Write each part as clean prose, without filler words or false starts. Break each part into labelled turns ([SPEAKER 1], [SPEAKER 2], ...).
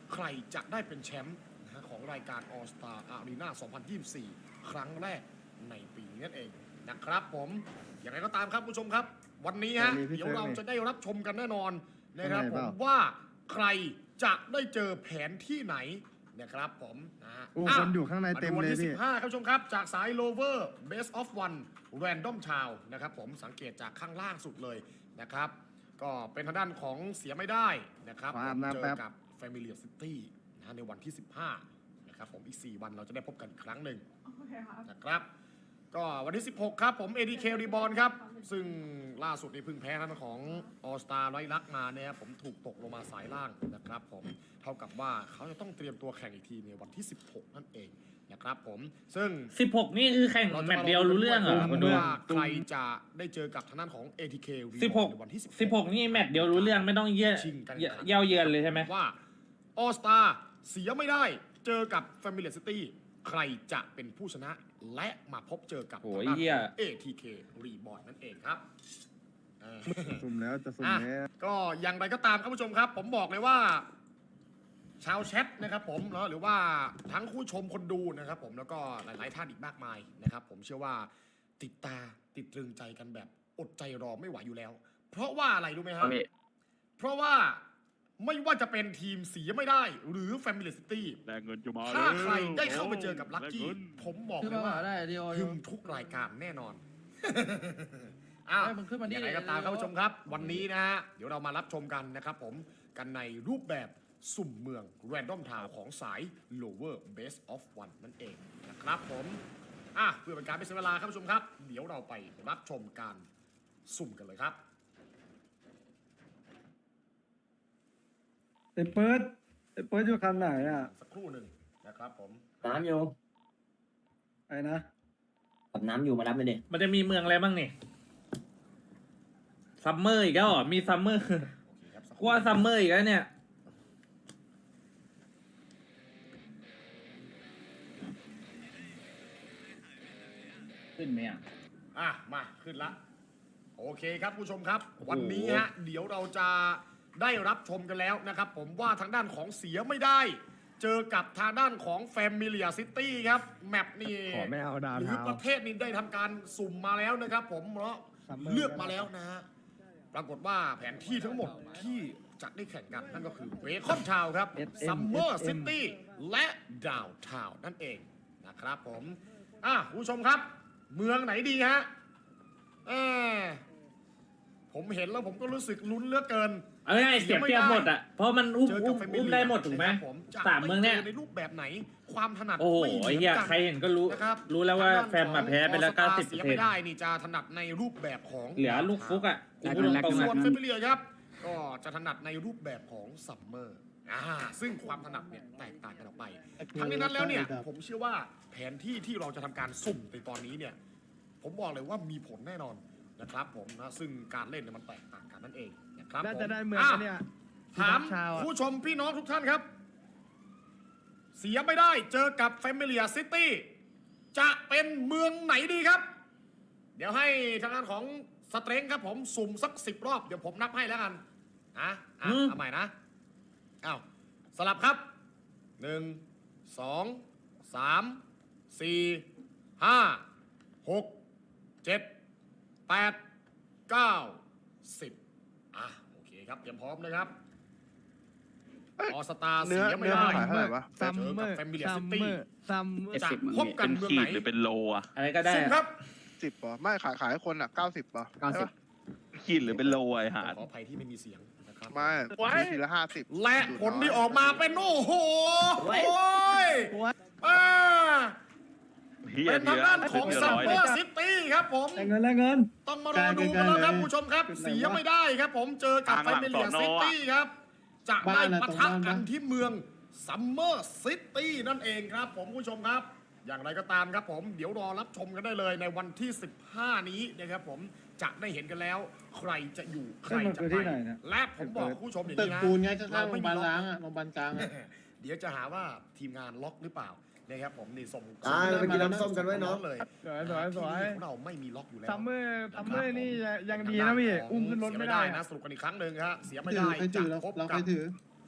[SPEAKER 1] ใครจะได้เป็นแชมป์นะฮะของรายการ All Star Arena 2024 ครั้งแรกในปีนี้นั่นเองนะครับผมอย่างไรก็ตามครับผู้ชมครับ วันนี้ฮะเดี๋ยวเราจะได้รับชมกันแน่นอนนะครับผมว่าใครจะได้เจอแผนที่ไหนนะครับผมนะฮะ
[SPEAKER 2] คนอยู่ข้างในเต็มเลยพี่
[SPEAKER 1] วันที่15ครับผู้ชมครับจากสาย Lover Best of One Random Town นะครับผมสังเกตจากข้างล่างสุดเลยนะครับก็เป็นทางด้านของเสียไม่ได้นะครับเจอกับ Familiar City นะในวันที่15นะครับผมอีก4วันเราจะได้พบกันอีกครั้งหนึ่งนะครับก็วันที่16ครับผม ADK Reborn ครับซึ่งล่าสุดในพึ่งแพ้ทางของ All Star ไร้ลักมาเนี่ยผมถูกตกลงมาสายล่างนะครับผมเท่ากับว่าเขาจะต้องเตรียมตัวแข่งอีกทีในวันที่16นั่นเองนะครับผมซึ่ง
[SPEAKER 3] 16นี่คือแข่งแมตช์เดียวรู้เรื่องเหรอ
[SPEAKER 1] คุณดูว่าใครจะได้เจอกับทางด้านของ ATK ในวันที่
[SPEAKER 3] 16นี่แมตช์เดียวรู้เรื่องไม่ต้องเย่าเยือนเลยใช่ไหม
[SPEAKER 1] ว่า All Star เสียไม่ได้เจอกับ Familiar City ใครจะเป็นผู้ชนะและมาพบเจอกับทางด้านของ ATK Reborn นั่นเองครับ
[SPEAKER 2] สุ่มแล้วจะสุ่มแล้ว
[SPEAKER 1] ก็อย่างไรก็ตามครับผู้ชมครับผมบอกเลยว่าชาวแชทนะครับผมเนาะหรือว่าทั้งผู้ชมคนดูนะครับผมแล้วก็หลายๆท่านอีกมากมายนะครับผมเชื่อว่าติดตรึงใจกันแบบอดใจรอไม่ไหวอยู่แล้วเพราะว่าอะไรรู้ไหมครับเพราะว่าไม่ว่าจะเป็นทีมเสียไม่ได้หรือ Family City ถ้าใครได้เข้าไปเจอกับลัคกี้ผมบอกเลยว่าถึงทุกรายการแน่นอนอย่างไรก็ตามครับผู้ชมครับวันนี้นะฮะเดี๋ยวเรามารับชมกันนะครับผมกันในรูปแบบสุ่มเมือง Random Town ของสาย Lower Base of One นั่นเองนะครับผมเพื่อเป็นการไม่เสียเวลาครับผู้ชมครับเดี๋ยวเราไปรับชมการสุ่มกันเลยครับ
[SPEAKER 2] ไอ้เปิดอยู่คันไหนอ่ะ
[SPEAKER 1] สักครู่หนึ่งนะครับผม
[SPEAKER 4] น้ำอยู่
[SPEAKER 2] ไอ้นะ
[SPEAKER 4] กับน้ำอยู่มารับเลยดิ
[SPEAKER 3] มันจะมีเมืองอะไรบ้างนี่ซัมเมอร์อีกแล้วเหรอมีซัมเมอร์กว่าซัมเมอร์อีกแล้วเนี่ยขึ้นไหม
[SPEAKER 1] มาขึ้นละโอเคครับผู้ชมครับวันนี้ฮะเดี๋ยวเราจะได้รับชมกันแล้วนะครับผมว่าทางด้านของเสียไม่ได้เจอกับทางด้านของ Familiar City ครับแมปนี่
[SPEAKER 2] ขอไม่เอาดาว
[SPEAKER 1] หรือประเทศนี้ได้ทำการสุ่มมาแล้วนะครับผมเพราะเลือกมาแล้วนะฮะปรากฏว่าแผนที่ทั้งหมดที่จะได้แข่งกันนั่นก็คือเบคอนทาวน์ครับ Summer City และดาวน์ทาวน์นั่นเองนะครับผมผู้ชมครับเมืองไหนดีฮะผมเห็นแล้วผมก็รู้สึกลุ้นเหลือเกิน
[SPEAKER 3] เอาง่ายเสียเปรียบหมดอ่ะเพราะมันอุ้มได้หมดถูกไหม3เมืองเนี่ย
[SPEAKER 1] ในรูปแบบไหนความถนัด
[SPEAKER 3] โอ้โหไอ้เหี้ยใครเห็นก็รู้แล้วว่าแฟนมาแพ้ไปแล้ว 90%
[SPEAKER 1] เสียไม่ได้นี่จะถนัดในรูปแบบของ
[SPEAKER 3] เหลือลูกฟุกอ่ะ
[SPEAKER 1] ส่วนเฟมิเลียครับก็จะถนัดในรูปแบบของซัมเมอร์ซึ่งความถนัดเนี่ยแตกต่างกันออกไปทั้งนี้นั้นแล้วเนี่ยผมเชื่อว่าแผนที่ที่เราจะทำการสุ่มในตอนนี้เนี่ยผมบอกเลยว่ามีผลแน่นอนนะครับผมนะซึ่งการเล่นเนี่ยมันแตกต่างกันนั่นเองนะครับ
[SPEAKER 2] น่าจะได้เมืองเนี่ย
[SPEAKER 1] ถามผู้ชมพี่น้องทุกท่านครับเสียไม่ได้เจอกับ Familiar City จะเป็นเมืองไหนดีครับเดี๋ยวให้ทางด้านของสเตรงครับผมสุ่มสัก10 รอบเดี๋ยวผมนับให้แล้วกันเอาใหม่นะสลับครับ1 2 3 4 5 6 7 8 9 10โอเคครับเตรียมพร้อมนะครับออสตาเสียไม่ได้เจอกับแฟมิเลียซิตี้จะพบกันเมืองไหน
[SPEAKER 5] หรือเป็นโล
[SPEAKER 3] อะไรก็ได้
[SPEAKER 1] ครับ
[SPEAKER 2] 10ป่ะไม่ขายคน90ป่ะ
[SPEAKER 5] ขีดหรือเป็นโลไอ้หา
[SPEAKER 1] ขออภัยที่ไม่มีเสียงนะครับ
[SPEAKER 2] ไม่ทีละ50
[SPEAKER 1] และผลที่ออกมาเป็นโอ้โหเป็นทางด้านของซัมเมอร์ซิตี้ครับผม
[SPEAKER 2] เงิน
[SPEAKER 1] ต้องมารอดูกันแล้วครับผู้ชมครับเสียไม่ได้ครับผมเจอกับแฟมิเลียซิตี้ครับจะได้ปะทะกันที่เมืองซัมเมอร์ซิตี้นั่นเองครับผมผู้ชมครับอย่างไรก็ตามครับผมเดี๋ยวรอรับชมกันได้เลยในวันที่15นี้นะครับผมจะได้เห็นกันแล้วใครจะอยู่ใครจะไปและผมบอกผู้ชมอย่างนี้นะ
[SPEAKER 2] ตึกปูนไงข้างๆโรงพยาบาลล้างโรงพยาบาลกลาง
[SPEAKER 1] เดี๋ยวจะหาว่าทีมงานล็อกหรือเปล่านะครับผมนี่ส่ง
[SPEAKER 2] ไปกินน้ำส้มกันไว้น้อง
[SPEAKER 1] เลย
[SPEAKER 2] สวย
[SPEAKER 1] เราไม่มีล็อกอยู่แล้ว
[SPEAKER 2] ซัมเมอร์นี่ยังดีนะพี่อุ้มขึ้นรถไม่ได้
[SPEAKER 1] นะสรุปกันอีกครั้งหนึ่งฮะเสียไม่ได้จะพบกับ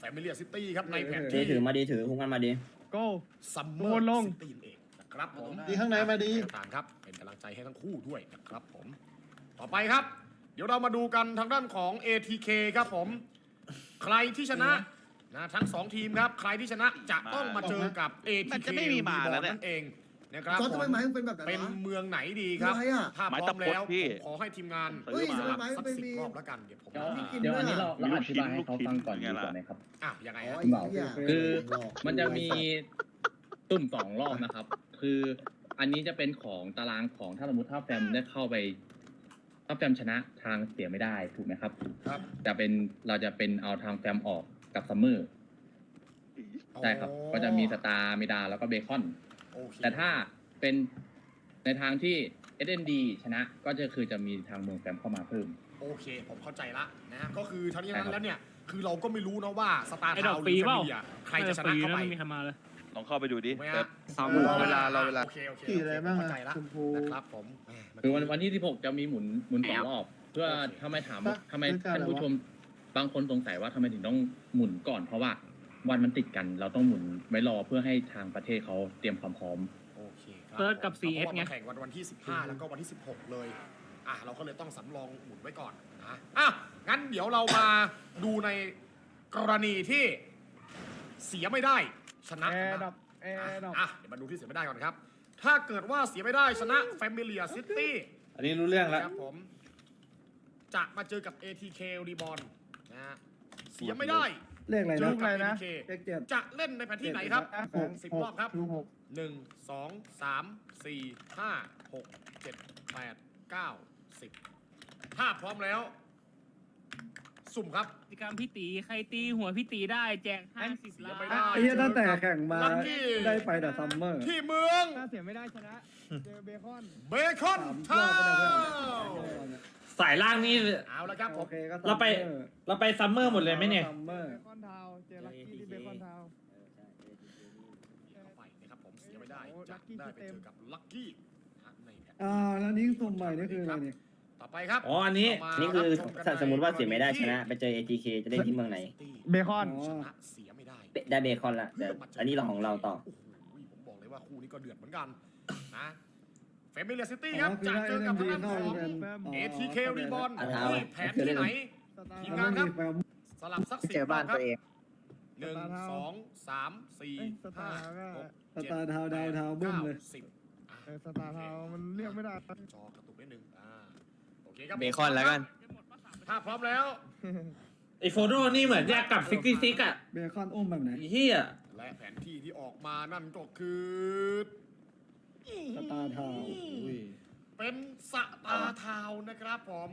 [SPEAKER 1] Familiar City ครับในแผน
[SPEAKER 4] ดี
[SPEAKER 1] ที่
[SPEAKER 4] ถือมาดีถือคุ้มกันมาดี
[SPEAKER 2] โก้
[SPEAKER 1] ซัมเม
[SPEAKER 2] โด
[SPEAKER 1] อร์
[SPEAKER 2] นลง
[SPEAKER 1] ซิตี้เองนะครับผม
[SPEAKER 2] ดีข้างในมาดี
[SPEAKER 1] ต่างครับเป็นกำลังใจให้ทั้งคู่ด้วยนะครับผม ต่อไปครับ เดี๋ยวเรามาดูกันทางด้านของ ATK ครับผม ใครที่ชนะทั้ง 2 ทีมครับ ใครที่ชนะจะต้องมาเจอกับ ATK
[SPEAKER 5] มันจะไม่มีมาแล้วเนี่ย
[SPEAKER 1] นั่นเองนะครับ
[SPEAKER 2] จอร์จทำไม
[SPEAKER 1] ผม
[SPEAKER 2] ไม้มันเป็นแบบไหน
[SPEAKER 1] เป็น
[SPEAKER 2] วะ
[SPEAKER 1] เมืองไหนดีครับ
[SPEAKER 2] อะไรอะ
[SPEAKER 1] ถ้าพ
[SPEAKER 5] ไม้
[SPEAKER 1] ร้อ
[SPEAKER 5] ตะ
[SPEAKER 1] ม
[SPEAKER 5] พด
[SPEAKER 1] แล้ว
[SPEAKER 5] พี่
[SPEAKER 1] ผมขอให้ทีมงาน
[SPEAKER 2] เฮ้ย
[SPEAKER 1] สลับ
[SPEAKER 2] ทำไม
[SPEAKER 1] สัก
[SPEAKER 2] มัน
[SPEAKER 1] 10
[SPEAKER 2] มี
[SPEAKER 1] รอบแล้วกันเดี๋ยวผม
[SPEAKER 6] เดี๋ยว
[SPEAKER 2] มีกลิ่น
[SPEAKER 6] เดี๋ยว
[SPEAKER 2] ด้วย
[SPEAKER 6] อันนี้
[SPEAKER 2] อะ
[SPEAKER 6] เราอธิบายให้เขาฟังก่อน
[SPEAKER 5] ลูกชิ้
[SPEAKER 6] ดี
[SPEAKER 5] น
[SPEAKER 6] กว่าไหมครับ
[SPEAKER 1] อ้าวยังไง
[SPEAKER 2] อ๋อ
[SPEAKER 1] ฮะ
[SPEAKER 2] ไอ้เหี้ย
[SPEAKER 6] คือมันจะมีตุ่ม2 รอบนะครับ คืออันนี้จะเป็นของตารางของถ้าสมมติถ้าแฟมได้เข้าไปถ้าแฟมชนะทางเสียไม่ได้ถูกไหมครับ
[SPEAKER 1] ครับ
[SPEAKER 6] เราจะเป็นเอาทางแฟมออกกับซัมเมอร์ใช่ครับ ก็จะมีสตาร์มิดาแล้วก็เบคอน
[SPEAKER 1] โอเค
[SPEAKER 6] แต่ถ้าเป็นในทางที่ SND ชนะก็จะมีทางเมืองแฟมเข้ามาเพิ่ม
[SPEAKER 1] โอเค ผมเข้าใจละนะฮะก็คือทั้งนี้
[SPEAKER 6] ใช่
[SPEAKER 1] ทั้ง
[SPEAKER 6] ครับ
[SPEAKER 1] นั้นแล้วเนี่ย คือเราก็ไม่รู้นะว่าสตาร์
[SPEAKER 7] ไอ้
[SPEAKER 1] ทา
[SPEAKER 7] ด
[SPEAKER 1] ว
[SPEAKER 7] อก
[SPEAKER 1] ห
[SPEAKER 7] ฟรี
[SPEAKER 1] รือแฟ
[SPEAKER 7] เปล่า
[SPEAKER 1] มิเลียใครจะชนะเข้าไป
[SPEAKER 7] ไม่มีใครมาเลย
[SPEAKER 5] ลองเข้าไปดูดิ
[SPEAKER 1] ถูกไหม
[SPEAKER 5] แบ
[SPEAKER 1] ฮะ
[SPEAKER 5] บ
[SPEAKER 2] รอเวลารอเวลา
[SPEAKER 1] โอเคโอเค
[SPEAKER 2] ขี่อะไรบ้างอะ
[SPEAKER 1] เข้าใจละ
[SPEAKER 2] ชมพู
[SPEAKER 1] นะครับผม
[SPEAKER 6] คือวันที่ 16 จะมีหมุน2 รอบ เพื่อทำไมถามว่าทำไม
[SPEAKER 2] เรื่องการ
[SPEAKER 6] ท่านผู้
[SPEAKER 2] อะไรวะ
[SPEAKER 6] ชมบางคนสงสัยว่าทำไมถึงต้องหมุนก่อน เพราะว่าวันมันติดกันเราต้องหมุนไว้รอเพื่อให้ทางประเทศเขาเตรียมความพร้อม
[SPEAKER 1] โอเคครับ
[SPEAKER 7] เปิดกับ
[SPEAKER 1] ผม
[SPEAKER 7] CS
[SPEAKER 1] เพราะว่า
[SPEAKER 7] ไง
[SPEAKER 1] มันแข่งวันที่ 15 แล้วก็วันที่ 16 เลยเราก็เลยต้องสำรองหมุนไว้ก่อนนะงั้นเดี๋ยวเรามาดูในกรณีที่เสียไม่ได้ชนะ
[SPEAKER 2] แอ
[SPEAKER 1] กัน
[SPEAKER 2] ร์ดั
[SPEAKER 1] บ้าง
[SPEAKER 2] บแอร์ดับ
[SPEAKER 1] เดี๋ยวมาดูที่เสียไม่ได้ก่อนครับ ถ้าเกิดว่าเสียไม่ได้ชนะ Familiar City
[SPEAKER 3] อันนี้รู้เรื่องแล้ว
[SPEAKER 1] ครับผมจะมาเจอกับ ATK Reborn นะฮะเสียไม่ได้
[SPEAKER 2] เลขอะไร
[SPEAKER 1] เจ
[SPEAKER 2] นะ
[SPEAKER 1] อกับ
[SPEAKER 2] นะ
[SPEAKER 1] ATK
[SPEAKER 2] เลขเจ็ด
[SPEAKER 1] จะเล่นในแผนที่ไหนครับ 10 รอบครับ
[SPEAKER 2] ลูกหก
[SPEAKER 1] 1 2 3 4 5 6 7 8 9 10ถ้าพร้อมแล้ว สุ่มครับ
[SPEAKER 7] กิจกรรมพี่ตีใครตีหัวพี่ตีได้แจก50 ล้าน
[SPEAKER 1] ไม่ได้
[SPEAKER 2] ไอ้เหี้ยตั้งแต่แข่งมา
[SPEAKER 1] ลัคกี้
[SPEAKER 2] ได้ไปแต่ซัมเมอร์
[SPEAKER 1] ที่เมือง
[SPEAKER 2] ถ้าเสียไม่ได้ชนะ เจอเบคอน
[SPEAKER 1] เบคอน
[SPEAKER 2] สามร
[SPEAKER 1] ทา
[SPEAKER 2] อบไปแล้ว
[SPEAKER 1] ว
[SPEAKER 3] สายล่างนี่
[SPEAKER 1] เอาละครับผ
[SPEAKER 2] โอ
[SPEAKER 1] ม
[SPEAKER 2] เคก็
[SPEAKER 3] เราไปซัมเมอร์หมดเลยไหมเนี่ย
[SPEAKER 2] ซัมเมอร์เบคอนทาวเจอลักกี้ที่เบคอนทาว
[SPEAKER 1] เข้าไปนะครับผมเสียไม่ได้จะได้ไปเจอกับลัคกี้ในแผน
[SPEAKER 2] แล้วนี่สุ่มใหม่นี่คืออะไรเนี่ย
[SPEAKER 1] ต่อไปครับ
[SPEAKER 3] อ๋ออันนี้
[SPEAKER 1] เรามา
[SPEAKER 4] นี่คือ
[SPEAKER 1] รับชกั
[SPEAKER 4] ถ้าสมมติว่าเสียไม่ได้
[SPEAKER 1] ใน
[SPEAKER 4] ชนะ ไปเจอ ATK จะได้ที่เมืองไหน
[SPEAKER 2] เบคอน
[SPEAKER 1] ชนะเสียไม่ได้
[SPEAKER 4] ได้เบคอนละแต่อันนี้เราของเราต่อ
[SPEAKER 1] โอ้โหผมบอกเลยว่าคู่นี้ก็เดือดเหมือนกันนะเฟมิเลียซิตี้ครับจะเจอกับทางด้านของ ATK Reborn
[SPEAKER 4] อ่ะเอา
[SPEAKER 1] ที่แผนที่ไหน ทีมงานครับ สลับสัก10
[SPEAKER 2] เจอบ้าน
[SPEAKER 1] รอบครับ
[SPEAKER 2] ตัวเอง
[SPEAKER 1] หนึ่งสองสามสี่
[SPEAKER 2] สตา
[SPEAKER 1] ห้า
[SPEAKER 2] ร์ก็
[SPEAKER 1] หก
[SPEAKER 2] สตาร์ทาวน์ดาวน์ทาวน์บึ้มเลย
[SPEAKER 1] สิบ
[SPEAKER 2] สตาร์ทาวน์มันเรียกไม่ได้
[SPEAKER 1] จอกระตุกนิดนึงโอเคครับ
[SPEAKER 8] เบคอนแล้วกัน
[SPEAKER 1] ถ้าพร้อมแล้ว
[SPEAKER 3] ไอโฟโต้นี่เหมือนแยกกับ66อ่ะ
[SPEAKER 2] เบคอนอุ้มแบบไหน
[SPEAKER 3] ไอ้เฮีย
[SPEAKER 1] และแผนที่ที่ออกมานั่นก็คือ
[SPEAKER 2] สตาร์ทาวน์
[SPEAKER 1] เป็นสตาร์ทาวน์นะครับผม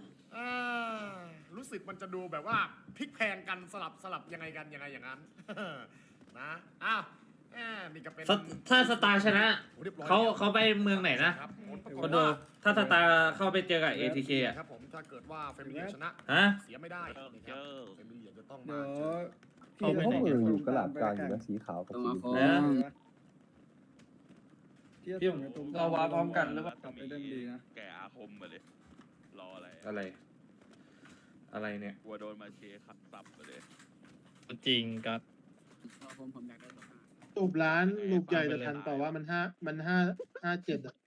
[SPEAKER 1] รู้สึกมันจะดูแบบว่าพลิกแพลงกันสลับยังไงกันยังไงอย่างนั้น นะนี่ก็เป็น
[SPEAKER 3] ถ้าสตาร์ชนะ
[SPEAKER 1] รียบร้อย
[SPEAKER 3] เขาไปเมืองไหนนะครับ
[SPEAKER 1] ผลปรากฏ
[SPEAKER 3] คนดู
[SPEAKER 1] ว่า
[SPEAKER 3] ถ้าสตาร์เข้าไปเจอกับ ATK อ่ะ
[SPEAKER 1] ครับผมถ้าเกิดว่าเฟมิเลียชนะ
[SPEAKER 3] ฮะ
[SPEAKER 1] เสียไม่ได้นะครับเฟมิเลียจะต้อง
[SPEAKER 2] เดี๋
[SPEAKER 1] มา
[SPEAKER 2] ยว
[SPEAKER 1] เจอ
[SPEAKER 2] พี่เขาเหมือนอยู่กระหลาบกลางอยู่นะ
[SPEAKER 9] สีขาวกับ
[SPEAKER 4] สี
[SPEAKER 3] พี่
[SPEAKER 2] เราวาพร้อมกันหรือเป
[SPEAKER 5] แล้
[SPEAKER 2] ล่าว
[SPEAKER 5] ก็
[SPEAKER 2] ไปเล่นดีนะ
[SPEAKER 5] แก่อาคมมาเลย รออะไร
[SPEAKER 3] อะไรเนี่ย
[SPEAKER 5] กลัวโดนมาเชขับสับไปเลย
[SPEAKER 8] จริงครับ
[SPEAKER 2] ลูกร้านลูกใหญ่แต่ทันแต่ว่ามันห้าเจ็ดอ่ะ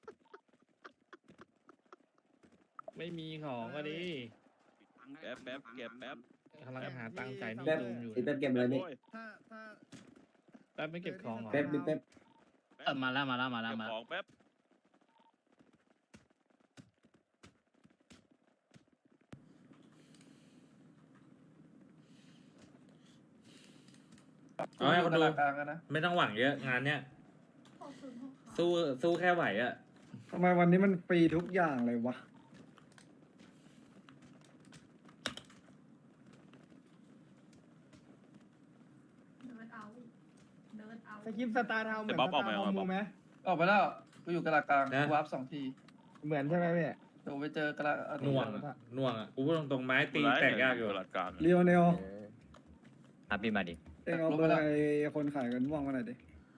[SPEAKER 8] ไม่มีของก็ดี
[SPEAKER 5] แป๊บเก็บแป๊บ
[SPEAKER 8] กำลังหาตังค์จ่ายหนี่
[SPEAKER 4] แป๊บ
[SPEAKER 8] ลุงอยู่
[SPEAKER 4] แป๊บเก็บเลยนี่
[SPEAKER 5] โอ้ย
[SPEAKER 2] ถ้า
[SPEAKER 8] แป๊บไม่เก็บของเหรอ
[SPEAKER 4] แป๊บแป๊บ
[SPEAKER 7] มาแล้ว
[SPEAKER 5] เก็บของแป๊บ
[SPEAKER 3] เอาให้คนดูไม่ต้องหวังเยอะงานเนี้ยสู้แค่ไหวอ่ะ
[SPEAKER 2] ทำไมวันนี้มันฟรีทุกอย่างเลยวะ สกิปสตาร์ทาวน์เหมือนสตาร์ทาวน์มูไหม
[SPEAKER 9] ออกไปแล้วกูอยู่กระลากลาง
[SPEAKER 3] นะ
[SPEAKER 9] กูวาร์ป2 ที
[SPEAKER 2] เหมือนใช่ไหมพี่
[SPEAKER 9] เดี๋ยวไปเจอกระลา
[SPEAKER 3] หน่วงอะหน่วงอ่ะกูพูดตรงๆไม้ตีแตกยากอยู่
[SPEAKER 5] หลักการ
[SPEAKER 2] เรียวเนล
[SPEAKER 8] พี่มาดิ
[SPEAKER 2] เองเอาเบอร์ไอ้คนขายกันม่วงมาหน่อยดิ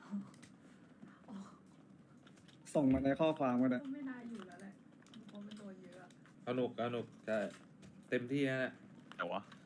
[SPEAKER 2] ส่งมาในข้อความก็ได้
[SPEAKER 10] ไม่น่าอยู่แล้วแหละเพราะมันโดนเยอะ
[SPEAKER 3] สนุกใช่เต็มที่นะ
[SPEAKER 5] แต่วะ